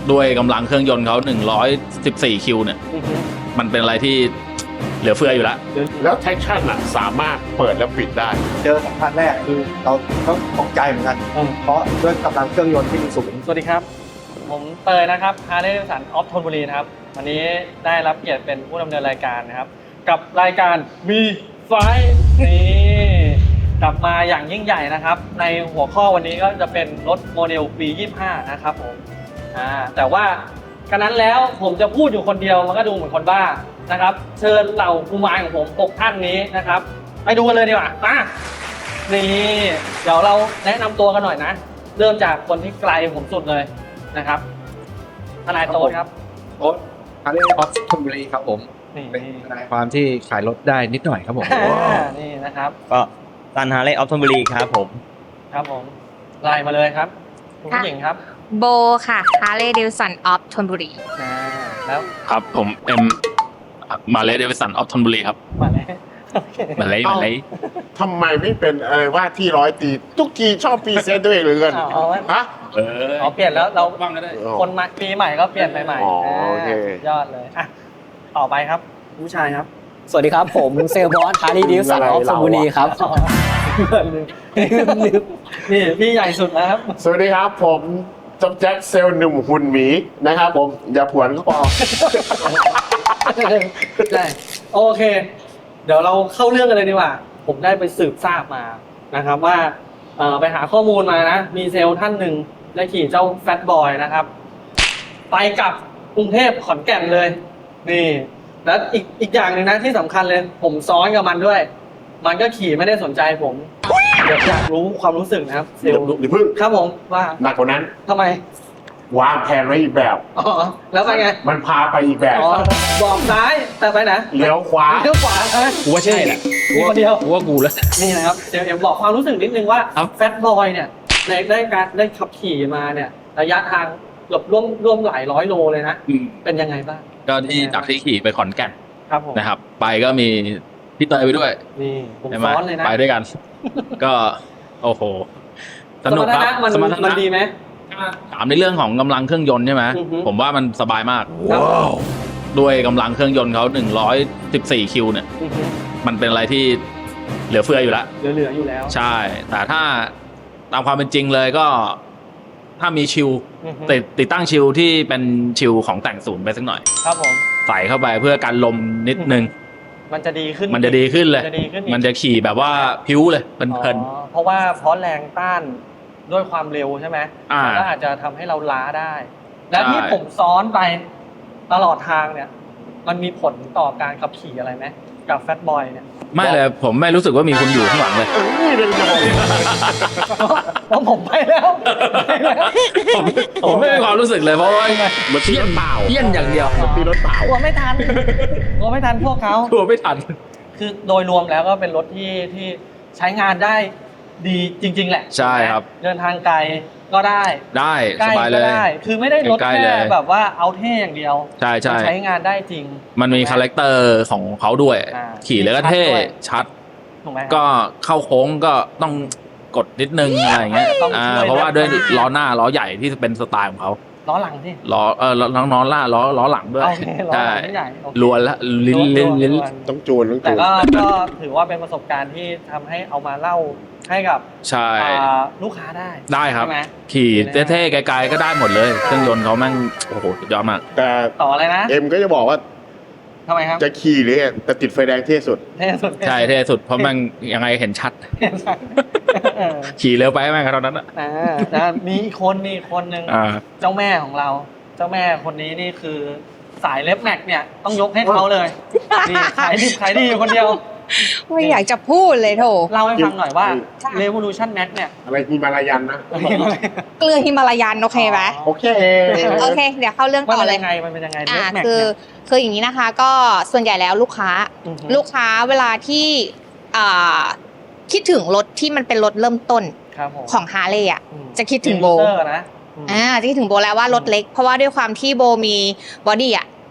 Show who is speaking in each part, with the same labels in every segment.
Speaker 1: ด้วยกำลังเครื่องยนต์เขา114คิวเนี่ยมันเป็นอะไรที่เหลือเฟืออยู่แล้ว
Speaker 2: แล้วแท็กชั่นอ่ะสามารถเปิดแล้วปิดได้
Speaker 3: เจอ2 คันแรกคือเราก็ตกใจเหมือนกันเพราะด้วยกำลังเครื่องยนต์ที่มีสูง
Speaker 4: สวัสดีครับ ผมเตยนะครับฮาร์เลย์เดวิสันออฟธนบุรีนะครับวันนี้ได้รับเกียรติเป็นผู้ดำเนินรายการนะครับกับรายการ V5 นี่กลับมาอย่างยิ่งใหญ่นะครับในหัวข้อวันนี้ก็จะเป็นรถโมเดลปี 25 นะครับผมแต่ว่ากันนั้นแล้วผมจะพูดอยู่คนเดียวมันก็ดูเหมือนคนบ้านะครับเชิญเหล่าผู้มายของผม6ท่านนี้นะครับไปดูกันเลยดีกว่ามานี่เดี๋ยวเราแนะนำตัวกันหน่อยนะเริ่มจากคนที่ไกลผมสุดเลยนะครับทนายโต๊ดครับ
Speaker 3: โอ๊ตฮาร์เลย์ออฟธนบุรีครับผมเป็นทนายความที่ขายรถได้นิดหน่อยครับผม
Speaker 4: นี่นะครับ
Speaker 5: ก็ซันฮาร์เลย์ออฟธนบุรีครับผม
Speaker 4: ครับผมไล่มาเลยครับคุณผู้หญิงครับ
Speaker 6: โบค่ะ Harley Davidson of ธนบุรี
Speaker 4: แล้ว
Speaker 1: ครับผมเอ็มมาเลเดวิสันออฟธนบุรีครับ
Speaker 4: มาเลย
Speaker 1: มาเลย
Speaker 2: ทำไมไม่เป็นอะไรว่าที่ร้อยตีทุกทีชอบพรีเซนต์ตัวเองเหลือเกินฮะ
Speaker 4: เปลี่ยนแล้วเราคนมาปีใหม่ก็เปลี่ยนใหม่
Speaker 2: โอเค
Speaker 4: ยอดเลยอ่ะต่อไปครับผู้ชายครับ
Speaker 7: สวัสดีครับผมเซลบอสฮาร์ลีย์เดวิสันออฟธนบุรีครับ
Speaker 4: นี่พี่ใหญ่สุดแล้วครับ
Speaker 2: สวัสดีครับผมจอมแจ็คเซลล์หนุ่มหุ่นหมีนะครับผมอย่าผวนก็พอ
Speaker 4: ใช่โอเคเดี๋ยวเราเข้าเรื่องกันเลยดีกว่าผมได้ไปสืบทราบมานะครับว่าไปหาข้อมูลมานะมีเซลล์ท่านหนึ่งได้ขี่เจ้าแฟตบอยนะครับไปกับกรุงเทพขอนแก่นเลยนี่แล้วอีกอย่างหนึ่งนะที่สำคัญเลยผมซ้อนกับมันด้วยมันก็ขี่ไม่ได้สนใจผมอยากรู้ความรู้สึกนะครับเซลล์
Speaker 2: อย่าพึ่ง
Speaker 4: ครับผมว่า
Speaker 2: หนักกว่านั้น
Speaker 4: ทำไม
Speaker 2: วางแผนไว้อีกแบบ
Speaker 4: แล้วไปไง
Speaker 2: มันพาไปอีกแบบ
Speaker 4: บอกซ้ายแต่ไปไหน
Speaker 2: เลี้ยวขวา
Speaker 1: กูว่าใช่แหละ
Speaker 4: มีคนเดียว
Speaker 1: กูว่ากูแล้ว
Speaker 4: นี่นะครับเดี๋ยวบอกความรู้สึกนิดนึงว่าแฟตบอยเนี่ยได้ขับขี่มาเนี่ยระยะทางเกือบร่วมหลายร้อยโลเลยนะเป็นยังไงบ้าง
Speaker 1: ก็ที่จากที่ขี่ไปขอนแก่น
Speaker 4: ครับผม
Speaker 1: นะครับไปก็มีพี่เตยไปด้วย
Speaker 4: นี่ผมซ้อนเลยนะ
Speaker 1: ไปด้วยกันก็โอ้โหสนุกครับ
Speaker 4: มันดีไหม
Speaker 1: ถามในเรื่องของกำลังเครื่องยนต์ใช่ไหมผมว่ามันสบายมากด้วยกำลังเครื่องยนต์เขา114คิวเนี่ยมันเป็นอะไรที่เหลือเฟืออยู่แล้ว
Speaker 4: เหลืออยู่แล้ว
Speaker 1: ใช่แต่ถ้าตามความเป็นจริงเลยก็ถ้ามีชิลติดตั้งชิลที่เป็นชิลของแต่งศูนย์ไปสักหน่อย
Speaker 4: ครับผม
Speaker 1: ใส่เข้าไปเพื่อการลมนิดนึง
Speaker 4: มันจะดีขึ้น
Speaker 1: เลยมันจะขี่แบบว่าพิ้วเลยเพลิน
Speaker 4: เพราะว่าเพราะแรงต้านด้วยความเร็วใช่ไหมก็อาจจะทำให้เราล้าได้ และที่ผมซ้อนไปตลอดทางเนี่ยมันมีผลต่อการขับขี่อะไรไหมกับแฟตบอยเนี่ย
Speaker 1: ไม่เลยผมไม่รู้สึกว่ามีคนอยู่ข้างหลังเลย
Speaker 4: เพราะผมไปแล้ว
Speaker 1: ผมไม่มีความรู้สึกเลยเพราะว่า
Speaker 2: มันเพี้ยนเปล่า
Speaker 1: เพี้ยนอย่างเดียว
Speaker 2: ตีรถเปล่าก
Speaker 4: ลัวไม่ทันพวกเขา
Speaker 1: กลัวไม่ทัน
Speaker 4: คือโดยรวมแล้วก็เป็นรถที่ใช้งานได้ดีจริงๆแหละ
Speaker 1: ใช่ครับ
Speaker 4: เดินทางไกลก็ได้
Speaker 1: สบายเลย
Speaker 4: คือไม่ได้รถแค่แบบว่าเอาเท่อย่างเดียว
Speaker 1: ใช้
Speaker 4: งานได้จริง
Speaker 1: มันมีคาแรคเตอร์ของเขาด้วยขี่แล้วก็เท่ชัดก็เข้าโค้งก็ต้องกดนิดนึงอะไรอย่างเงี้ยเพราะว่าด้วยล้อหน้าล้อใหญ่ที่เป็นสไตล์ของเขา
Speaker 4: ล้อหลังที่
Speaker 1: ล้อล้อหน้าล้อหลังด้วย
Speaker 4: ใช่
Speaker 1: ลวนละลิ้น
Speaker 2: ต้องจูน
Speaker 4: แต่ก็ถือว่าเป็นประสบการณ์ที่ทำให้เอามาเล่าให้กับลูกค้า
Speaker 1: ได้ครับขี่เท่ๆไกลๆก็ได้หมดเลยเครื่องยนต์เขาแม่งโอ้โหสุดยอดมาก
Speaker 2: แต่
Speaker 4: ต่ออะไรนะ
Speaker 2: เอ็มก็จะบอกว่า
Speaker 4: ทำไมครับ
Speaker 2: จะขี่หรือแต่ติดไฟแดงเท่สุด
Speaker 1: ใช่เท่สุดเพราะมันยังไงเห็นชัดขี่เร็วไปแม่งเท่านั้น
Speaker 4: มีคนหนึ่งเจ้าแม่ของเราเจ้าแม่คนนี้นี่คือสายเล็บแม็กเนี่ยต้องยกให้เขาเลยนี่ขายดีอยู่คนเดียว
Speaker 6: ไม่อยากจะพูดเลยโถ
Speaker 4: เล่าให้ฟังหน่อยว่า Revolution Max เนี่ย
Speaker 2: อะไรฮิมาลายันนะ
Speaker 6: เกลือฮิมาลายันโอเคไหม
Speaker 2: โอเค
Speaker 6: เดี๋ยวเข้าเรื่องต่อเลย
Speaker 4: มันเป็นยังไง
Speaker 6: คืออย่างนี้นะคะก็ส่วนใหญ่แล้วลูกค้าเวลาที่คิดถึงรถที่มันเป็นรถเริ่มต้นของฮาร์เลย์อ่ะจะคิดถึงโบจะคิดถึงโบแล้วว่ารถเล็กเพราะว่าด้วยความที่โบมีบอดี้อ่ะ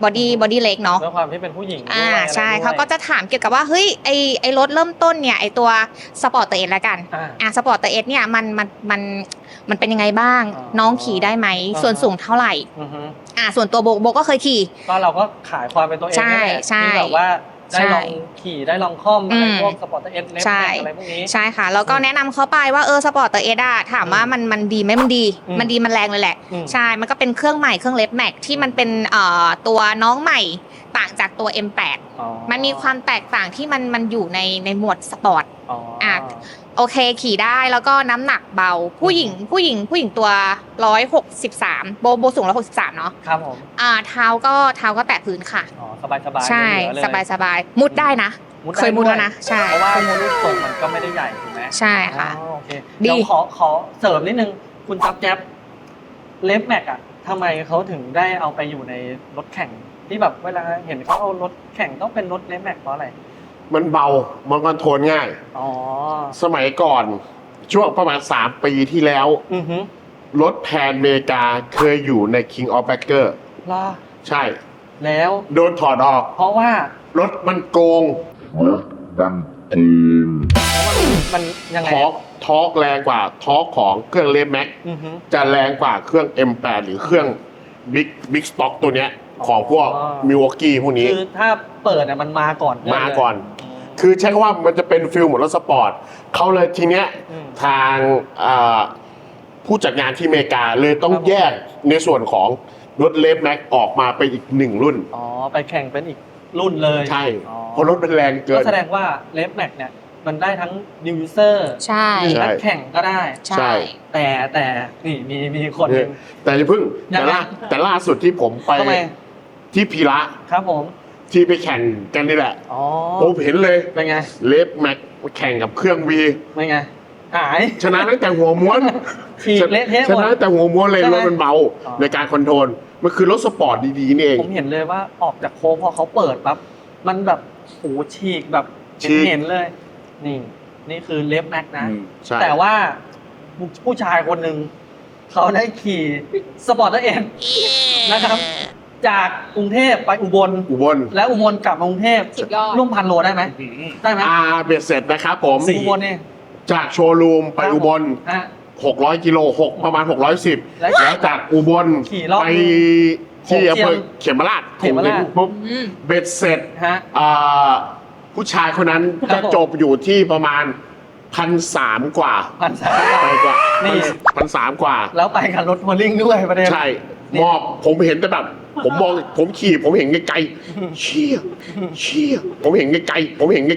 Speaker 6: บอดี้เล็กเนาะ
Speaker 4: ด้วยความที่เป็นผู้หญิงด้วย
Speaker 6: ใช่
Speaker 4: อะไรด้วย
Speaker 6: เขาก็จะถามเกี่ยวกับว่าเฮ้ยไอรถเริ่มต้นเนี่ยไอตัวสปอร์ตเอสละกันสปอร์ตเอสเนี่ยมันเป็นยังไงบ้าง น้องขี่ได้ไหมส่วนสูงเท่าไหร่ส่วนตัวโบก็เคยขี่
Speaker 4: ก็เราก็ขายความเป็นตัวเอง
Speaker 6: ใช่
Speaker 4: ที่แบบว่าได้ลองขี่ได้ลองคล่อมอะไรพวกสปอร์ตเอสเล็บอะไรพวกนี้
Speaker 6: ใช่ค่ะแล้วก็แนะนำเขาไปว่าสปอร์ตเอสถามว่ามันดีไหมมันดีมันแรงเลยแหละใช่มันก็เป็นเครื่องใหม่เครื่องเล็บแม็กที่มันเป็นตัวน้องใหม่ต่างจากตัว M8 มันมีความแตกต่างที่มันอยู่ในหมวดสปอร์ตโอเคขี่ได้แล้วก็น้ำหนักเบาผู้หญิงตัว163โบสูง163เนาะ
Speaker 4: ครับผม
Speaker 6: เท้าก็แตะพื้นค่ะ
Speaker 4: สบาย
Speaker 6: ใช่สบายมุดได้นะเคยมุดแล้วนะใช่
Speaker 4: เพราะว่ารูปทรงมันก็ไม่ได้ใหญ่ถูกไหม
Speaker 6: ใช่ค่ะ
Speaker 4: โอเคเดี๋ยวขอเสริมนิดนึงคุณจับแจ๊บเล็บแม็กอะทำไมเขาถึงได้เอาไปอยู่ในรถแข่งที่แบบเวลาเห็นเขาเอารถแข่งต้องเป็นรถเล็บแม็กเพราะอะไร
Speaker 2: มันเบามันคอนโทรลง่ายสมัยก่อนช่วงประมาณ3 ปีที่แล้วรถแพนเมกาเคยอยู่ใน King of Backer ใช่
Speaker 4: แล้ว
Speaker 2: โดนถอดออก
Speaker 4: เพราะว่าร
Speaker 2: ถมันโกง
Speaker 4: มันยังไง
Speaker 2: ทอร์กแรงกว่าทอร์กของเครื่องเลฟแม็กจะแรงกว่าเครื่อง M8 หรือเครื่องบิ๊กสต็อกตัวเนี้ยของพวกมิวอกกี้พวกนี้
Speaker 4: คือถ้าเปิดมันมาก่อน
Speaker 2: คือใช้คำว่ามันจะเป็นฟิลเหมือนรถสปอร์ตเขาเลยทีเนี้ยทางผู้จัดงานที่อเมริกาเลยต้องแยกในส่วนของรถเลฟแม็กออกมาเป็นอีก1 รุ่น
Speaker 4: ไปแข่งเป็นอีกรุ่นเลย
Speaker 2: ใช่เพราะรถมันแรงเกิน
Speaker 4: ก็แสดงว่าเลฟแม็กเนี่ยมันได้ทั้งนิวยูเซอร์
Speaker 6: ใช่
Speaker 4: นักแข่งก็ได้
Speaker 6: ใช่
Speaker 4: แต่นี่มีคนนึง
Speaker 2: แต่อย่าเพิ่งแต่ล่าสุดที่ผมไปที่พีระ
Speaker 4: ครับผม
Speaker 2: ที่ไปแข่งกันนี่แหละผมเห็นเลย
Speaker 4: เป็นไง
Speaker 2: เลฟแม็กแข่งกับเครื่องวี
Speaker 4: เป็นไงหาย
Speaker 2: ชนะตั้งแต่หัวม้วนชนะตั้งแต่หัวม้วนเลยรถมันเบาในการคอนโทรลมันคือรถสปอร์ตดีๆนี่เอง
Speaker 4: ผมเห็นเลยว่าออกจากโค้งพอเขาเปิดปั๊บมันแบบโอ้ฉีกแบบเห็นเลยนี่คือเลฟแม็กนะแต่ว่าผู้ชายคนหนึ่งเขาได้ขี่สปอร์ตเอ็นนะครับจากกรุงเทพไปอุบลและอุบลกลับมากรุงเทพร่วม1,000 โลได้ไหมได้ไหม
Speaker 2: เบ็ดเสร็จนะครับผม
Speaker 4: อุบลนี่
Speaker 2: จากโชว์รูมไปอุบล600 กิโลประมาณ610แล้วจากอุบลไปที่อำเภอเขมราชปุ๊บเบ็ดเสร็จผู้ชายคนนั้นจะจบอยู่ที่ประมาณ1,300 กว่า1,300 กว่า1,300 กว่า
Speaker 4: แล้วไปกับรถทัวริงด้วยประเด็น
Speaker 2: ใช่ผมเห็นแต่แบบผมขี่ผมเห็นไกลๆเชี่ยผมเห็นไกลๆ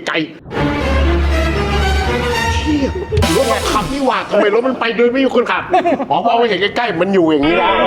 Speaker 2: เชี่ยรถมันขับนี่หว่าทำไมรถมันไปโดยไม่มีคนขับพอเห็นใกล้ๆมันอยู่อย่างนี้แล้ว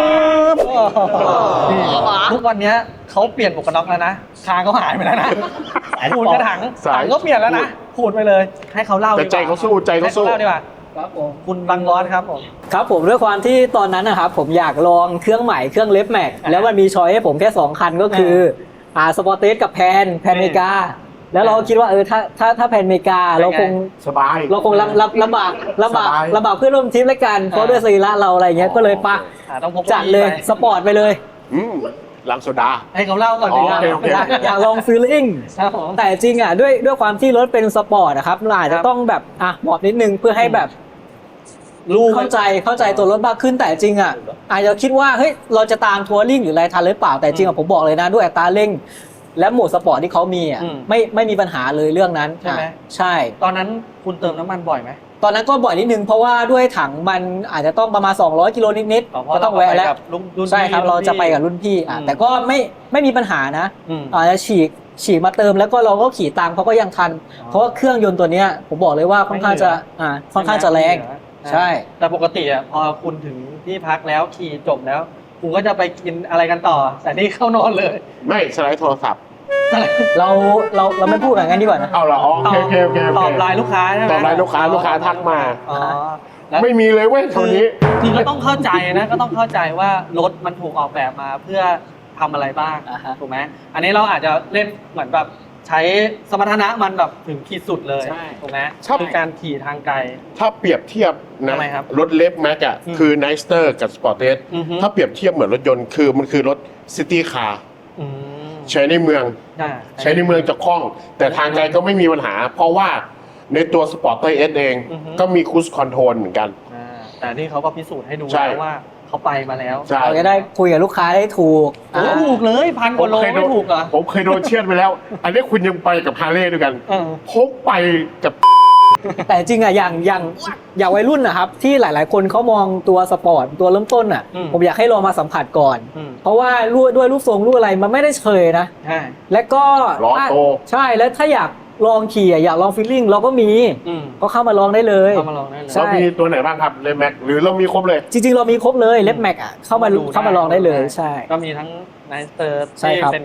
Speaker 4: ทุกวันนี้เขาเปลี่ยนหมวกกันน็อกแล้วนะคางเขาหายไปแล้วนะขูดกระถังก็เปลี่ยนแล้วนะขูดไปเลยให้เขาเล่าดีกว่า
Speaker 2: ใจเขาสู้
Speaker 4: ดีกว่าครับผมคุณบังร้อนครับผม
Speaker 7: ครับผมด้วยความที่ตอนนั้นนะครับผมอยากลองเครื่องใหม่เครื่องเล็บแม็กแล้วมันมีช้อยให้ผมแค่2 คันก็คือสปอร์ตเอสกับแพนเมกาแล้วเราคิดว่าถ้าแพนเมกาเราคง
Speaker 2: สบาย
Speaker 7: เราคงลำบากเพื่อนร่วมทีมด้วยกันเพราะด้วยสรีระเราอะไรเงี้ยก็เลยจัดเลยสปอร์ตไปเลย
Speaker 2: ลังโซดา
Speaker 4: ให้เขาเล่าก่อนดีกว่า
Speaker 7: อยากลองฟีลลิ่งแต่จริงด้วยความที่รถเป็นสปอร์ตนะครับเราอาจจะต้องแบบหมอบนิดนึงเพื่อให้แบบเข้าใจตัวรถมากขึ้นแต่จริงอาจจะคิดว่าเฮ้ยเราจะตามทัวริ่งหรืออะไรทันหรือเปล่าแต่จริงผมบอกเลยนะด้วยอัตราเร่งและโหมดสปอร์ตที่เขามีไม่มีปัญหาเลยเรื่องนั้น
Speaker 4: ใช่ไหม
Speaker 7: ใช่
Speaker 4: ตอนนั้นคุณเติมน้ำมันบ่อยไหม
Speaker 7: ตอนนั้นก็บ่อยนิดนึงเพราะว่าด้วยถังมันอาจจะต้องประมาณ200 กิโลนิดๆก็ต้องแวะแล้วใช่ครับเราจะไปกับรุ่นพี่แต่ก็ไม่มีปัญหานะอาจจะฉีกมาเติมแล้วก็เราก็ขี่ตามเขาก็ยังทันเพราะว่าเครื่องยนต์ตัวนี้ผมบอกเลยว่าค่อนข้างจะแรงใช่
Speaker 4: แต่ปกติพอคุณถึงที่พักแล้วขี่จบแล้วคุณก็จะไปกินอะไรกันต่อแต่นี่เข้านอนเลย
Speaker 2: ไม่สไลด์โทรศัพท์
Speaker 7: เราไม่พูดอย่างนั้นดีกว่านะ
Speaker 2: เอาเหรอโอเค
Speaker 4: ตอบไลน์ลูกค้าใช่ไหม
Speaker 2: ตอบไลน์ลูกค้าทักมาไม่มีเลยเว้ยตอนนี้
Speaker 4: คือก็ต้องเข้าใจนะก็ต้องเข้าใจว่ารถมันถูกออกแบบมาเพื่อทำอะไรบ้างถูกไหมอันนี้เราอาจจะเล่นเหมือนแบบใช้สมรรถนะมันแบบถึงขีดสุดเลยถูกไหมคือการขี่ทางไกล
Speaker 2: ถ้าเปรียบเทียบนะรถเลฟแม็กคือไนสเตอร์กับสปอร์ตเอสถ้าเปรียบเทียบเหมือนรถยนต์คือมันคือรถซิตี้คาร์
Speaker 4: อืม
Speaker 2: ใช้ในเมือง
Speaker 4: อ่า
Speaker 2: ใช้ในเมืองจะคล่อง แต่ทางไกลก็ไม่มีปัญหา เพราะว่าในตัวสปอร์ตเตอร์เอสเอง
Speaker 4: อือฮึ
Speaker 2: ก็มีครูซคอนโทรลเหมือนกัน
Speaker 4: แต่นี่เขาก็พิสูจน์ให้ดู
Speaker 2: ใช่
Speaker 4: แล้วว่าเขาไปมาแล้ว
Speaker 2: ใช่
Speaker 7: เราจะได้คุยกับลูกค้าได้ถูก
Speaker 4: โอ้ถูกเลยพันกว่าโลไม่ถูกเหรอ
Speaker 2: ผมเคยโดนเชือดไปแล้ว อันนี้คุณยังไปกับฮาร์เลย์ด้วยกัน
Speaker 4: เออ
Speaker 2: ผมไปกับ
Speaker 7: แต่จริงอ่ะอย่างวัยรุ่นนะครับที่หลาย ๆ คนเขามองตัวสปอร์ตตัวเริ่มต้นอ่ะ ผมอยากให้ลองมาสัมผัสก่อน
Speaker 4: อืม
Speaker 7: เพราะว่าด้วยรูปทรงรูปอะไรมันไม่ได้เฉยนะ
Speaker 4: ใช่
Speaker 7: และก็
Speaker 2: ล้อโต
Speaker 7: ใช่แล้วถ้าอยากลองขี่อยากลองฟีลลิ่งเราก็มี
Speaker 4: อืม
Speaker 7: ก็เข้ามาลองได้เลย
Speaker 4: เข้ามาลองได้เลย
Speaker 7: ใช่
Speaker 2: เรามีตัวไหนบ้างครับเลแม็กหรือเรามีครบเลย
Speaker 7: จริง ๆ เรามีครบเลยเล็บแม็กอ่ะเข้ามาลองได้เลยใช่
Speaker 4: ก็มีทั้งไนสเตอร์
Speaker 7: ใช่
Speaker 4: ที่
Speaker 7: ครับ
Speaker 4: เป็น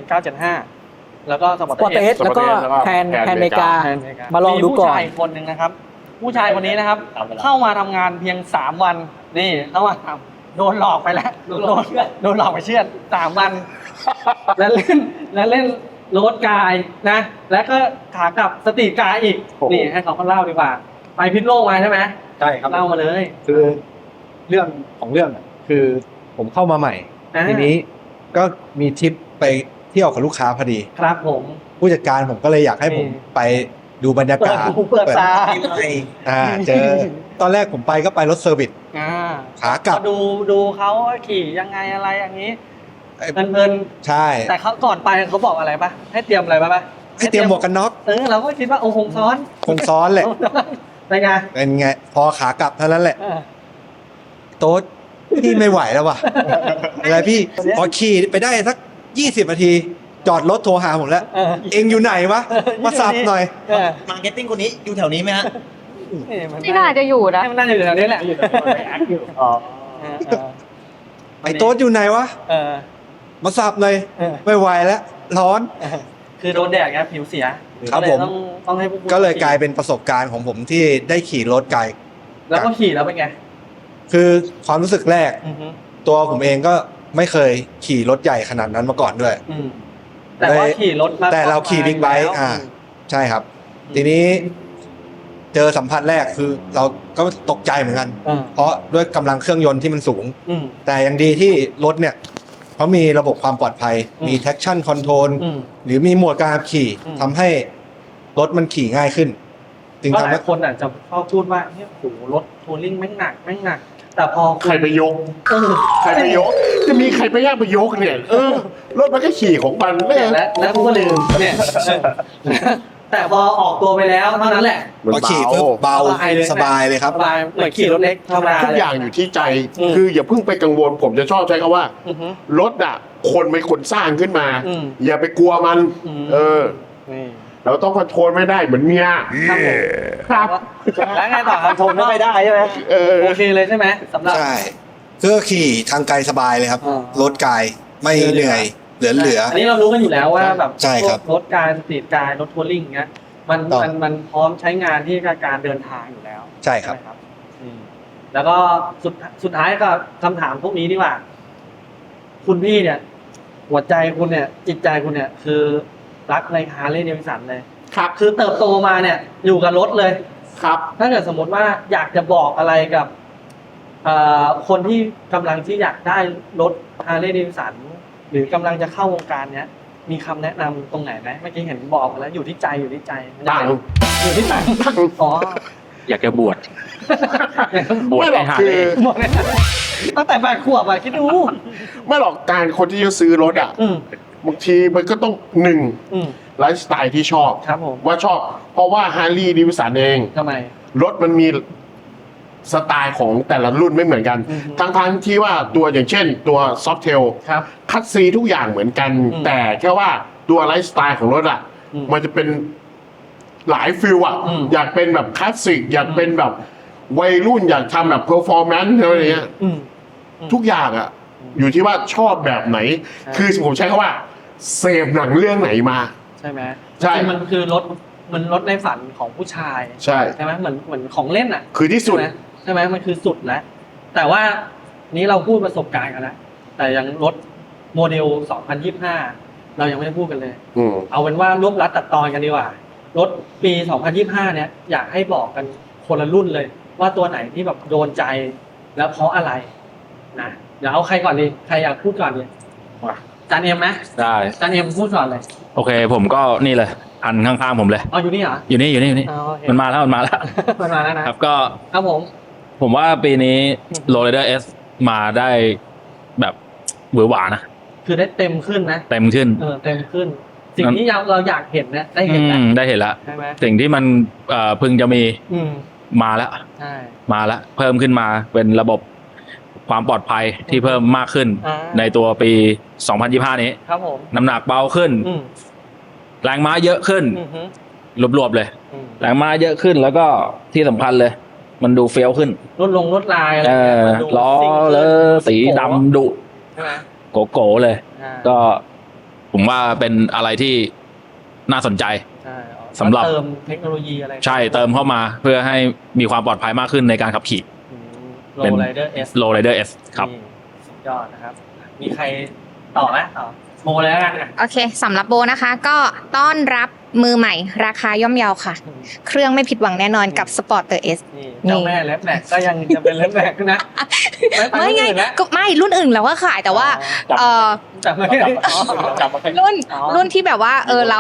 Speaker 4: 975 แล้วก็สปอร์
Speaker 7: สปอร์ต
Speaker 4: ต
Speaker 7: เอสแล้วก็
Speaker 2: แล้วก็
Speaker 7: แพน
Speaker 2: แพน
Speaker 7: เมกา
Speaker 2: เม
Speaker 7: มาลองดูก่อน
Speaker 4: มีผู้ชายคนหนึ่งนะครับ ผู้ชายคนนี้นะครับ เข้ามาทำงานเพียง 3 วัน นี่เข้ามาทำโดนหลอกไปแล้วโดนหลอกไปเชื่อด3 วัน แล้วเล่นโรดกายนะ แล้วก็ขากลับสตรีทกายอีก
Speaker 2: โอ้โห
Speaker 4: นี่ให้เขาเล่าดีกว่า ไปพิษโลกมาใช่ไหม
Speaker 3: ใช่ครับ
Speaker 4: เล่ามาเลย
Speaker 3: คือเรื่องของเรื่องอะคือผมเข้ามาใหม่
Speaker 4: อ่า
Speaker 3: ทีนี้ก็มีทริปไปเที่ยวกับลูกค้าพอดี
Speaker 4: ครับผม
Speaker 3: ผู้จัดการผมก็เลยอยากให้ผม
Speaker 4: นี่
Speaker 3: ไปดูบรรยากาศ
Speaker 4: เปิดตา
Speaker 3: เจอตอนแรกผมไปก็ไปรถเซอร์วิส
Speaker 4: อ่า
Speaker 3: ขากลับ
Speaker 4: ดูเขาขี่ยังไงอะไรอย่างนี้
Speaker 3: ไอ้
Speaker 4: เพลิน
Speaker 3: ใช่
Speaker 4: ๆแต่เขาก่อนไปเขาบอกอะไรปะให้เตรียมอะไรปะ
Speaker 3: ให้เตรียมหมวกกันน็อก
Speaker 4: เราก็คิดว่าโอ้คงซ้อน
Speaker 3: คงซ้อนแหละ
Speaker 4: เป็นไง
Speaker 3: เป็นไง พอขากลับเท่านั้นแหละ
Speaker 4: เออ
Speaker 3: โต๊ดพี่ไม่ไหวแล้วว่ะ อะไรพี่ พอขี่ไปได้สัก20 นาที จอดรถโทรหาผมแล้ว
Speaker 4: เออ
Speaker 3: เองอยู่ไหนวะ มาสับหน่อย
Speaker 4: เออ
Speaker 5: มาร์เก็ตติ้งคนนี้อยู่แถวนี้ไหมฮะ
Speaker 6: ที่น่าจะอยู่นะ
Speaker 4: มันน่าจะอยู่แถวนี้แหละอ๋อ
Speaker 3: ไอ้โต๊ดอยู่ไหนวะ
Speaker 4: เออ
Speaker 3: มาสับหน่อย
Speaker 4: เออ
Speaker 3: ไม่ไหวแล้ว ร้อน
Speaker 4: คือโดนแดดไงผิวเสีย
Speaker 3: ครับ
Speaker 4: ก็เลย
Speaker 3: ผม
Speaker 4: ต้องให้ผู้
Speaker 3: ก็เลยกลายเป็นประสบการณ์ของผมที่ได้ขี่รถไกล
Speaker 4: แล้วก็ขี่แล้วเป็นไง
Speaker 3: คือความรู้สึกแรก
Speaker 4: อือฮึ
Speaker 3: ตัวผมเองก็ไม่เคยขี่รถใหญ่ขนาดนั้นมาก่อนด้วย
Speaker 4: อืมแต่ว่าขี่รถมา
Speaker 3: แต่เราขี่บิ๊กไบค์
Speaker 4: แล้ว
Speaker 3: ใช่ครับ ทีนี้เจอสัมผัสแรกคือเราก็ตกใจเหมือนกัน
Speaker 4: อืม
Speaker 3: เพราะด้วยกำลังเครื่องยนต์ที่มันสูง
Speaker 4: อืม
Speaker 3: แต่ยังดีที่รถเนี่ยเขามีระบบความปลอดภัย
Speaker 4: อืม
Speaker 3: มี traction control
Speaker 4: อืม
Speaker 3: หรือมีโหมดการขับขี่
Speaker 4: อืม
Speaker 3: ทำให้รถมันขี่ง่ายขึ้น จึง
Speaker 4: ก็ห
Speaker 3: ทำ
Speaker 4: ลา
Speaker 3: ให้
Speaker 4: ยคนอาจจะชอบพูดว่าเนี่ยโหรถทัวริ่งแม่งหนัก แต่พอ
Speaker 2: ใครไปยก
Speaker 4: เออ
Speaker 2: ใครไปยก จะมีใครไปยากไปยกเนี่ย รถมันก็ขี่ของมันแม่
Speaker 4: แล้วกูก็ลืมเนี่ยแต่พอออกตัวไปแล้วเท่านั้นแหละ
Speaker 2: มัน
Speaker 3: พอขี่ปุ๊บเบา
Speaker 4: สบายเลย
Speaker 3: สบายเลยครับ
Speaker 4: สบายเหมือนขี่รถเล็กธรรมดา
Speaker 2: ทุกอย่างอยู่ที่ใจ
Speaker 4: อืม
Speaker 2: คืออย่าเพิ่งไปกังวล ผมจะชอบใช้คำว่า
Speaker 4: อือฮึ
Speaker 2: รถอ่ะ คนเป็นคนสร้างขึ้นมา
Speaker 4: อืม
Speaker 2: อย่าไปกลัวมัน
Speaker 4: อืม นี่
Speaker 2: เราต้องคอนโทรลไม่ได้เหมือนเมีย
Speaker 4: ครับผม
Speaker 2: ครับ
Speaker 4: แล้วไงต่อครับ
Speaker 5: ชมไม่ได้ใช่ไหม
Speaker 4: โอเคเลยใช่ไหมสำหรับ
Speaker 3: ใช่ก็ขี่ทางไกลสบายเลยครับ
Speaker 4: อ่าร
Speaker 3: ถไกลไม่เหนื่อย เหลือ
Speaker 4: อันนี้เรารู้กันอยู่แล้วว่าแบบ
Speaker 3: ใช่ครับ
Speaker 4: รถการสตรีทการรถทัวริ่งเงี้ยมัน
Speaker 3: ต้อง
Speaker 4: มันพร้อมใช้งานที่การเดินทางอยู่แล้ว
Speaker 3: ใช่ครับ
Speaker 4: ไหมแล้วก็สุดท้ายก็คำถามพวกนี้ดีกว่า คุณพี่เนี่ย หัวใจคุณเนี่ย จิตใจคุณเนี่ย คือรักในฮาร์เลย์เดวิสันเลย
Speaker 2: ครับ
Speaker 4: คือเติบโตมาเนี่ย อยู่กับรถเลย
Speaker 2: ครับ
Speaker 4: ถ้าเกิดสมมติว่าอยากจะบอกอะไรกับคนที่กำลังที่อยากได้รถฮาร์เลย์เดวิสันหรือกำลังจะเข้าวงการเนี้ย มีคำแนะนำตรงไหนไหมเมื่อกี้เห็นบอกแล้วอยู่ที่ใจมัน
Speaker 2: ตังค์
Speaker 4: อยู่ที่ตังค์
Speaker 2: ตังค์
Speaker 4: อ๋อ
Speaker 1: อยากจะบวช บวช
Speaker 2: ไม่หร
Speaker 1: ใน
Speaker 2: อก
Speaker 1: หา
Speaker 2: คื
Speaker 1: เล
Speaker 2: อ
Speaker 1: ย
Speaker 4: หมดเลยตั้งแต่8 ขวบอะคิดดู
Speaker 2: ไม่หรอกการคนที่จะซื้อรถอ่ะ
Speaker 4: อืม
Speaker 2: บางทีมันก็ต้องหนึ่ง
Speaker 4: อืม
Speaker 2: ไลฟ์สไตล์ที่ชอบ
Speaker 4: ครับผม
Speaker 2: ว่าชอบ เพราะว่าฮาร์ลีย์ดิวิสันเอง
Speaker 4: ทำไม
Speaker 2: รถมันมีสไตล์ของแต่ละรุ่นไม่เหมือนกัน
Speaker 4: อือฮึ
Speaker 2: ทั้งที่ว่าตัวอย่างเช่นตัวซอฟเทล
Speaker 4: ครับ
Speaker 2: คัตซีทุกอย่างเหมือนกัน
Speaker 4: อืม
Speaker 2: แต่แค่ว่าตัวไลฟ์สไตล์ของรถอ่ะ
Speaker 4: อืม
Speaker 2: มันจะเป็นหลายฟิลอ่ะ
Speaker 4: อืม
Speaker 2: อยากเป็นแบบคลาสสิกอยากเป็นแบบวัยรุ่นอยากทำแบบเพอร์ฟอร์แมนซ์อะไรอย่างเงี้ย
Speaker 4: อืม
Speaker 2: ทุกอย่างอ่ะ อยู่ที่ว่าชอบแบบไหน
Speaker 4: ใช่
Speaker 2: คือผมใช้คำว่าเสพหนังเรื่องไหนมา
Speaker 4: ใช่ไหม
Speaker 2: ใช่
Speaker 4: จริงๆมันคือรถในฝันของผู้ชาย
Speaker 2: ใช่
Speaker 4: ใช่ไหมเหมือนของเล่นอ่ะ
Speaker 2: คือที่สุด
Speaker 4: ใช่ไหมมันคือสุดแล้ว แต่ว่านี้เราพูดประสบการณ์กันแล้วแต่ยังรถโมเดล 2025 เรายังไม่ได้พูดกันเลย
Speaker 2: อืม
Speaker 4: เอาเป็นว่ารวบรัดตัดตอนกันดีกว่า รถปี 2025 เนี่ย อยากให้บอกกันคนละรุ่นเลย ว่าตัวไหนที่แบบโดนใจแล้วเพราะอะไรนะเดี๋ยวเอาใครก่อนดีใครอยากพูดก่อนดีจานเอ็มไหม
Speaker 1: ได้
Speaker 4: จานเอ็มพูดก่อนเลย
Speaker 1: โอเค ผมก็นี่เลยอันข้างๆผมเลย
Speaker 4: อ๋ออยู่นี่เหรอ
Speaker 1: อยู่นี่
Speaker 4: อ๋อโอเค
Speaker 1: มันมาแล้ว
Speaker 4: มันมาแล้วนะครับ
Speaker 1: ก็
Speaker 4: ครับผม
Speaker 1: ว่าปีนี้โรลเลอร์เอสมาได้แบบหวือหวานะ
Speaker 4: คือได้เต็มขึ้นนะ
Speaker 1: เต็มขึ้น
Speaker 4: เต็มขึ้น สิ่งที่เราอยากเห็นนะได้เห็นแล้ว
Speaker 1: ได้เห็นแล้ว
Speaker 4: ใช่ไหม
Speaker 1: สิ่งที่มันพึงจะมี
Speaker 4: อืม
Speaker 1: มาแล้ว
Speaker 4: ใช่
Speaker 1: มาแล้วเพิ่มขึ้นมาเป็นระบบความปลอดภัยที่เพิ่มมากขึ้น
Speaker 4: อ่า
Speaker 1: ในตัวปี 2025 นี้
Speaker 4: ครับผม
Speaker 1: น้ำหนักเบาขึ้น
Speaker 4: อืม
Speaker 1: แรงม้าเยอะขึ้น
Speaker 4: อือฮึ
Speaker 1: รวบๆเลย
Speaker 4: อืม
Speaker 1: แรงม้าเยอะขึ้นแล้วก็ที่สำคัญเลย มันดูเฟี้ยวขึ้น
Speaker 4: ลดลายอะไรอย่างเงี้ยมันดู
Speaker 1: ล้อ
Speaker 4: ซิ่งขึ้น
Speaker 1: เลอสีดำดุ
Speaker 4: ใช่ไหม
Speaker 1: โกเลย
Speaker 4: อ่า
Speaker 1: ก็ผมว่าเป็นอะไรที่น่าสนใจ
Speaker 4: ใช่อ๋อ
Speaker 1: สำหรับ
Speaker 4: เติมเทคโนโลยีอะไร
Speaker 1: ใช่เติมเข้ามาเพื่อให้มีความปลอดภัยมากขึ้นในการขับขี่
Speaker 4: โร
Speaker 1: เป็น
Speaker 4: ไรเดอร์เอส
Speaker 1: Low Rider S ครับ
Speaker 4: สุดยอดนะครับ มีใครต่อไหมต่อโมเลยแล้วกันอ่ะ
Speaker 6: โอเคสำหรับโบนะคะ ก็ต้อนรับมือใหม่ราคาย่อมเยาค่ะ เครื่องไม่ผิดหวังแน่นอนกับ Sporter S
Speaker 4: นี่เจ้าแม่เล็บแบกก็ยังจะเป็นเล็บแบกนะ
Speaker 6: ไม่ไง
Speaker 4: นะ
Speaker 6: ก็ไม่รุ่นอื่นเราก็ขายแต่ว่า
Speaker 4: อ๋อ
Speaker 6: เออ
Speaker 4: จับไม่ได้จับไม่ได้
Speaker 6: รุ่นที่แบบว่าเรา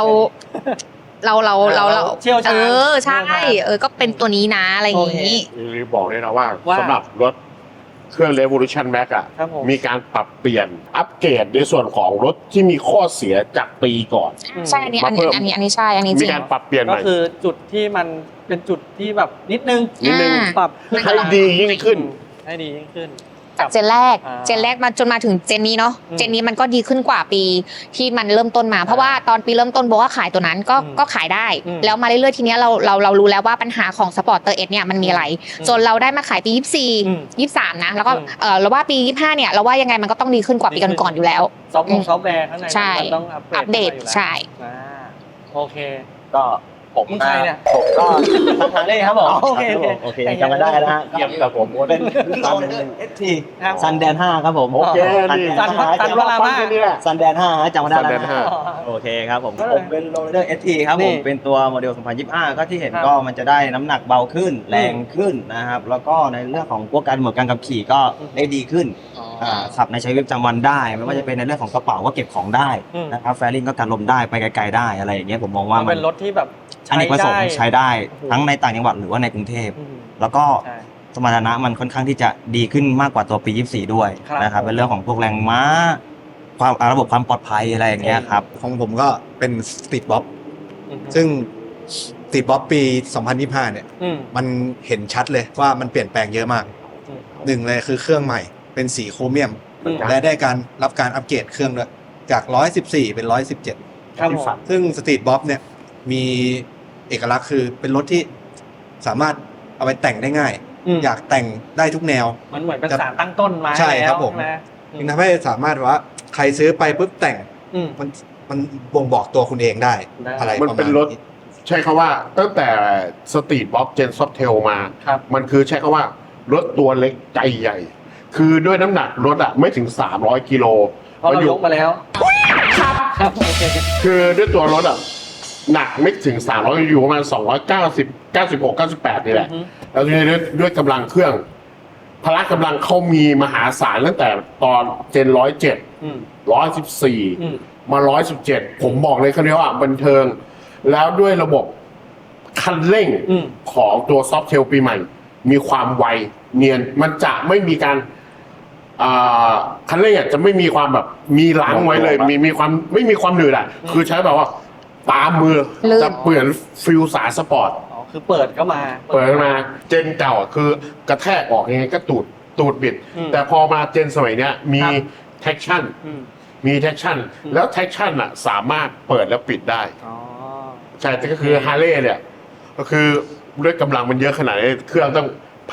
Speaker 4: เชี่ยวชาญ
Speaker 6: ใช่ก็เป็นตัวนี้นะอะไรอย่างนี้
Speaker 2: รีบบอกเลยนะว่า
Speaker 4: ว่า
Speaker 2: สำหรับรถเครื่อง Revolution Max อ่ะ
Speaker 4: ครับผม
Speaker 2: มีการปรับเปลี่ยนอัปเกรดในส่วนของรถที่มีข้อเสียจากปีก่อน
Speaker 6: ใช่อันนี้
Speaker 2: มาเพิ่ม
Speaker 6: อันนี้ใช่อันนี้จ
Speaker 2: มี
Speaker 6: ริง
Speaker 2: การปรับเปลี่ยนให
Speaker 4: ก็
Speaker 2: ม่
Speaker 4: คือจุดที่มันเป็นจุดที่แบบนิดนึง
Speaker 2: นิดนึง
Speaker 4: ปรับ
Speaker 2: ให้ดียิ่งขึ้น
Speaker 4: ให้ดียิ่งขึ้น
Speaker 6: จากเจนแรก
Speaker 4: อ่า
Speaker 6: เจนแรกมาจนมาถึงเจนนี้เนาะ
Speaker 4: อืม
Speaker 6: เจนนี้มันก็ดีขึ้นกว่าปีที่มันเริ่มต้นมา เพราะว่าตอนปีเริ่มต้นโบก็ขายตัวนั้นก็
Speaker 4: อืม
Speaker 6: ก็ขายได้
Speaker 4: อืม
Speaker 6: แล้วมาเรื่อยๆทีเนี้ยเรารู้แล้วว่าปัญหาของสปอร์ตเตอร์เอสเนี่ยมันมีอะไร
Speaker 4: อืม
Speaker 6: จนเราได้มาขายปี
Speaker 4: อืม
Speaker 6: 24 23นะแล้วก็
Speaker 4: อืม
Speaker 6: เราว่าปี 25เนี่ยเราว่ายังไงมันก็ต้องดีขึ้นกว่าปีก่อนๆอยู่แล้ว
Speaker 4: ซอฟต์แวร์ข้างใน
Speaker 6: ใช่
Speaker 4: มันต้องอัปเดต
Speaker 6: ใช่
Speaker 4: อ่าโอเค
Speaker 5: ก็ผม
Speaker 4: มึงใครเนี่ย
Speaker 5: ผมก็ทางเล่ครับผม
Speaker 4: อ๋อโอเคโอเค
Speaker 5: โอเคจำกันได้นะฮะ
Speaker 2: เยี่ยมกับผม
Speaker 5: เป็นซันเอสที
Speaker 4: ครับ
Speaker 5: ซันแดน5ครับผม
Speaker 2: โอเคดี
Speaker 4: ซันวรามา
Speaker 5: ซันแดน5จำกันได้
Speaker 2: ซันแดน
Speaker 5: นะ
Speaker 2: ห้า
Speaker 5: โอเคครับผม
Speaker 4: ก็เลย
Speaker 5: ผมเป็นโรลเลอร์เอสทีครับ
Speaker 4: นี่
Speaker 5: ผมเป็นตัวโมเดล 2025 ก็ที่เห็น
Speaker 4: ครับ
Speaker 5: ก็มันจะได้น้ำหนักเบาขึ้นแรงขึ้นนะครับ แล้วก็ในเรื่องของพวกการเหมือนการขับขี่ก็ได้ดีขึ้น ขับในชีวิตประจำวันได้ไม่ว่าจะเป็นในเรื่องของกระเป๋าก็เก็บของได้
Speaker 4: อืม
Speaker 5: นะครับแฟริ่งก็กันลมได้ไปไกลๆได้อะไรอย่างเงี้ยผมมองว่า
Speaker 4: มัน
Speaker 5: มั
Speaker 4: เป็น นรถที่แบบ
Speaker 5: อเนกประสงค์ใช้ได้
Speaker 4: โอ้โห
Speaker 5: ทั้งในต่างจังหวัดหรือว่าในกรุงเทพ
Speaker 4: อืม
Speaker 5: แล้วก็
Speaker 4: ใช่
Speaker 5: สมรรถนะมันค่อนข้างที่จะดีขึ้นมากกว่าตัวปี 24 ด้วย
Speaker 4: ครับ
Speaker 5: นะครับเป็นเรื่องของพวกแรงม้าความระบบความปลอดภัยอะไรอย่างเงี้ยครับ
Speaker 3: ของผมก็เป็นสตรีทบ๊อบ
Speaker 4: อืม
Speaker 3: ซึ่งสตรีทบ๊อบปี 2025 เนี่ย
Speaker 4: อืม
Speaker 3: มันเห็นชัดเลยว่ามันเปลี่ยนแปลงเยอะมาก
Speaker 4: อืม
Speaker 3: หนึ่งเลยคือเครื่องใหม่เป็นสีโครเมียม
Speaker 4: อืม
Speaker 3: และได้รับการอัปเกรดเครื่องด้วยจาก 114 เป็น 117
Speaker 4: ครับผม
Speaker 3: ซึ่งสตรีทบ๊อบเนี่ยมีเอกลักษณ์คือเป็นรถที่สามารถเอาไปแต่งได้ง่าย
Speaker 4: ม
Speaker 3: อยากแต่งได้ทุกแนว
Speaker 4: มันเหมือนเป็นสารตั้งต้นมา
Speaker 3: ใช่ครับ
Speaker 4: แล้ว
Speaker 3: ผม
Speaker 4: นะ
Speaker 3: จึงทำให้สามารถว่าใครซื้อไปปุ๊บแต่ง
Speaker 4: อืม
Speaker 3: มันบ่งบอกตัวคุณเองได้
Speaker 4: ได้
Speaker 3: อะไร
Speaker 2: มัน
Speaker 3: ประ
Speaker 2: เป็
Speaker 3: มาณ
Speaker 2: นรถ
Speaker 3: นี้
Speaker 2: ใช้คำว่าตั้งแต่สตรีทบ็อกเจนซอฟเทลมา
Speaker 4: ครับ
Speaker 2: มันคือใช้คำว่ารถตัวเล็กใจใหญ่ คือด้วยน้ำหนักรถอ่ะไม่ถึง 300 กิโล
Speaker 4: เพราะเรายกมาแล้วครับโอเค
Speaker 2: คือด้วยตัวรถอ่ะหนักไม่ถึง 300 อยู่ประมาณ 290 96 98 นี่แหละ
Speaker 4: อือฮึ
Speaker 2: แล้วด้วยกำลังเครื่อง พละกำลังเขามีมหาศาลตั้งแต่ตอนเจน 107
Speaker 4: อืม
Speaker 2: 114 มา 117 ผมบอกเลยเขาเรียกว่าบันเทิง แล้วด้วยระบบคันเร่ง
Speaker 4: อืม
Speaker 2: ของตัวซอฟเทลปีใหม่ มีความไวเนียน มันจะไม่มีการคันเร่งอ่ะจะไม่มีความแบบมีล้างไว้เลย มีความไม่มีความหนืดอ่ะ คือใช้แบบว่าตามมือ
Speaker 6: ลื่น
Speaker 2: จะเปลี่ยนฟิลสายสปอร์ต
Speaker 4: อ๋อคือเปิดเข้ามา
Speaker 2: เปิดมาเจนเก่าอ่ะคือกระแทกออกยังไงก็ตูดบิด
Speaker 4: อืม
Speaker 2: แต่พอมาเจนสมัยเนี้ยมี
Speaker 4: ครับ
Speaker 2: traction
Speaker 4: อืม
Speaker 2: มี traction
Speaker 4: อืม
Speaker 2: แล้ว traction อ่ะสามารถเปิดแล้วปิดได้
Speaker 4: อ๋อ
Speaker 2: ใช่แต่ก็คือฮาร์เลย์เนี่ย ก็คือด้วยกำลังมันเยอะขนาดนี้เครื่องต้อง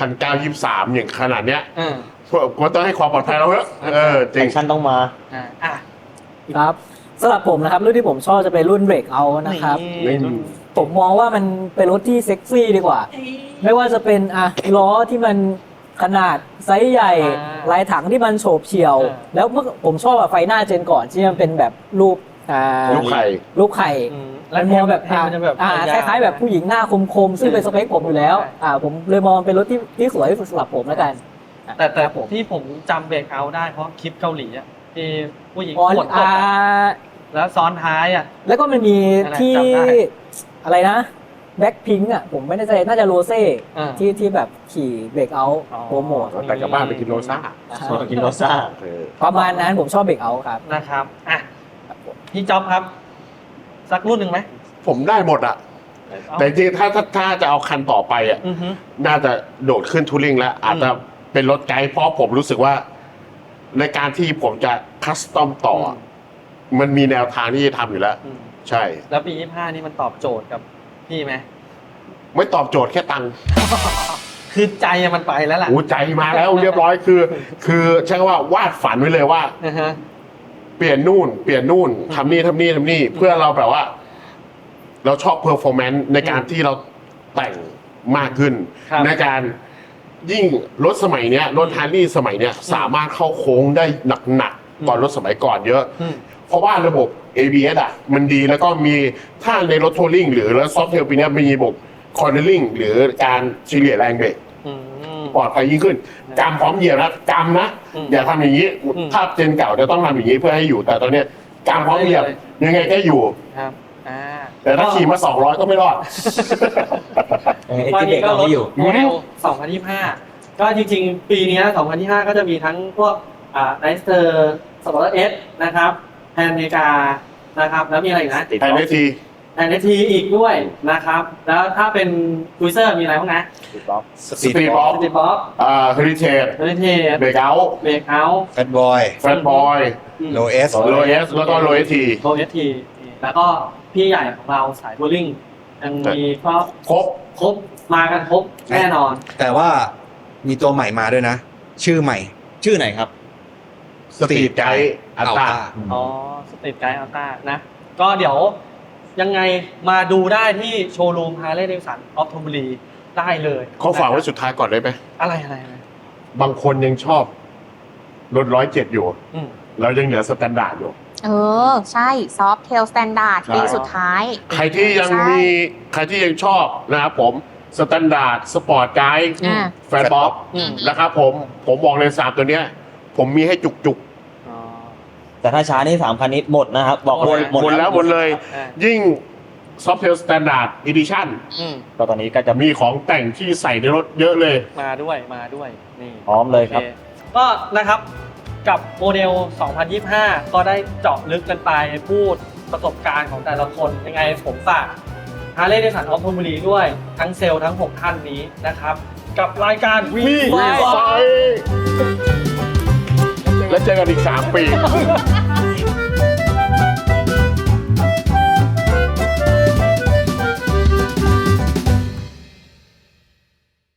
Speaker 2: 1,923อย่างขนาดเนี้ย
Speaker 4: อืม
Speaker 2: ก็ต้องให้ความปลอดภัยเราเยอะจริ
Speaker 5: แอง คชั่นต้องมา
Speaker 4: อ่ะ
Speaker 7: ครับสำหรับผมนะครับรุ่นที่ผมชอบจะเป็นรุ่นเบรกเอานะครับ
Speaker 4: นี่รุ่น
Speaker 7: ผมมองว่ามันเป็นรถที่เซ็กซี่ดีกว่า ไม่ว่าจะเป็นล้อที่มันขนาดไซส์ใหญ่
Speaker 4: อ่า
Speaker 7: ลายถังที่มันโฉบเฉี่ยว
Speaker 4: อ่า
Speaker 7: แล้วเมื่อผมชอบไฟหน้าเจนก่อนที่มันเป็นแบบรูป
Speaker 2: ลูกไข่
Speaker 7: รูปไข่
Speaker 4: อืม
Speaker 7: มันมองแบบ
Speaker 4: ให้มันจะแบบ
Speaker 7: คล้ายๆแบบผู้หญิงหน้าคมๆซึ่งเป็นสเปคผมอยู่แล้วผมเลยมองมันเป็นรถที่สวยที่สุดสำหรับผมแล้วกัน
Speaker 4: แต่
Speaker 7: ครับผม
Speaker 4: ที่ผมจำเบรกเอาท์ได้เพราะคลิปเกาหลีอะที่ผู้หญิง
Speaker 7: อ๋อ
Speaker 4: ปวดตกแล้วซ้อนท้ายอ่ะ
Speaker 7: แล้วก็มันมี
Speaker 4: อะไร
Speaker 7: ที่
Speaker 4: จำได้
Speaker 7: อะไรนะแบ็คพิงค์อ่ะผมไม่แน่ใจน่าจะโรเซ่
Speaker 4: อ่า
Speaker 7: ที่แบบขี่เบรกเอาท์
Speaker 4: อ๋อ
Speaker 7: โปรโมท
Speaker 2: แต่กลับบ้านไปกินโรซ่า
Speaker 5: กินโรซ่า
Speaker 7: ประมาณนั้นผมชอบเบรกเอาท์ครับ
Speaker 4: นะครับอ่ะพี่จ๊อบครับ สักรุ่นหนึ่งไหม
Speaker 2: ผมได้หมดอะแต่จริงๆถ้าจะเอาคันต่อไปอะ
Speaker 4: อือฮึ
Speaker 2: น่าจะโดดขึ้นทูริงแล้ว อาจจะเป็นรถไกด์เพราะผมรู้สึกว่า ในการที่ผมจะคัสตอมต่ออะมันมีแนวทางที่จะทำอยู่แล้ว
Speaker 4: อืม
Speaker 2: ใช่
Speaker 4: แล้วปี 25 นี่มันตอบโจทย์กับพี่ไหม
Speaker 2: ไม่ตอบโจทย์แค่ตังค์
Speaker 4: คือใจอะมันไปแล้วล่ะ
Speaker 2: หูใจมาแล้วเรียบร้อยคือใช่ว่าวาดฝันไว้เลยว่า
Speaker 4: อือฮะ
Speaker 2: เปลี่ยนนู่นทำนี่เพื่อเราแบบว่า เราชอบเพอร์ฟอร์แมนซ์ในการที่เราแต่งมากขึ้น
Speaker 4: ครับ
Speaker 2: ในการยิ่งรถสมัยเนี้ยรถฮาร์ลีสมัยเนี้ยสามารถเข้าโค้งได้หนักๆกว่ารถสมัยก่อนเยอะ
Speaker 4: อืม
Speaker 2: เพราะว่าระบบ ABS อ่ะมันดีแล้วก็มีถ้าในรถทัวริงหรือรถซอฟต์เทลปีนี้มีระบบคอร์เนอริงหรือการเฉลี่ยแรงเบรก
Speaker 4: อืม
Speaker 2: ปลอดภัยยิ่งขึ้นกำพร้อมเหยียบนะกำนะ
Speaker 4: อืม
Speaker 2: อย่าทำอย่างนี้
Speaker 4: อืม
Speaker 2: ถ้าเจนเก่าจะต้องทำอย่างนี้เพื่อให้อยู่ แต่ตอนเนี้ยกำพร้อมเหยียบยังไงก็อยู่
Speaker 4: ครับอ่า
Speaker 2: แต่ถ้าขี่มา200ก็ไม่รอด
Speaker 5: ไอ้ที่เบรกเราไม่อยู่
Speaker 4: โมเดล 2025 ก็จริงๆ ปีนี้ 2025 ก็จะมีทั้งพวกไนสเตอร์สปอร์ตเอสนะครับแพนเมกานะครับ แล้วมีอะไรอีกนะ
Speaker 2: แทนได้ที
Speaker 4: แพนเนทีอีกด้วยนะครับ แล้วถ้าเป็นคุยเซอร์มีอะไรบ้างนะ
Speaker 2: สปีดบ็อก
Speaker 4: สติบ๊อบ
Speaker 2: เฮริเทจ
Speaker 4: เฮลิเทส
Speaker 2: เบรกเอาท์
Speaker 4: เบรกเอาท์
Speaker 3: แฟนบอย
Speaker 2: แฟนบอย
Speaker 3: โลเอส
Speaker 2: โลเอสแล้วก็โลเอสที
Speaker 4: โรเอสทีแล้วก็พี่ใหญ่ของเราสายบูลลิ่งยังมีก็
Speaker 2: ครบ
Speaker 4: ครบมากันครบแน่นอน
Speaker 3: แต่ว่ามีตัวใหม่มาด้วยนะ ชื่อใหม่
Speaker 5: ชื่อไหนครับ
Speaker 2: สปีดไกด์อัตรา
Speaker 4: อ๋อสตรีทไกด์อัลต้านะ ก็เดี๋ยวยังไงมาดูได้ที่โชว์รูมฮาร์เลย์เดวิสันออฟทอมบุรีได้เลย
Speaker 2: เขาฝากไว้สุดท้ายก่อนได้ไหม
Speaker 4: อะไร
Speaker 2: บางคนยังชอบรถ107อยู่
Speaker 4: อืม
Speaker 2: เรายังเหลือสแตนดาร์ดอยู่
Speaker 6: ใช่ซอฟเทลสแตนดาร์ด
Speaker 2: ใช่
Speaker 6: ปีสุดท้าย
Speaker 2: ใครที่ยังชอบนะครับผมสแตนดาร์ดสปอร์ตไกด์
Speaker 6: อ่า
Speaker 2: แฟนบ๊อบ
Speaker 4: อืม
Speaker 2: นะครับผมบอกเลย3ตัวเนี้ย ผมมีให้จุก
Speaker 4: อ๋อ
Speaker 5: แต่ถ้าช้านี่3 คันนี้หมดนะครับ บอก
Speaker 2: ๆหมดแล้วหมดเลย
Speaker 4: อ่า
Speaker 2: ยิ่ง Softail Standard Edition
Speaker 4: อืม
Speaker 5: ก็ตอนนี้ก็จะมี
Speaker 2: มีของแต่งที่ใส่ในรถเยอะเลย
Speaker 4: มาด้วยนี่
Speaker 5: พร้อมเลยครับ
Speaker 4: โอก็นะครับกับโมเดล 2025 ก็ได้เจาะลึกกันไปพูดประสบการณ์ของแต่ละคนยังไงผมฝากฮาร์เลย์เดวิสันออฟทอมบุรีด้วยทั้งเซลล์ทั้ง 6 ท่านนี้นะครับ กับรายการวี
Speaker 2: ไฟแล้วเจอกันอีก3 ปี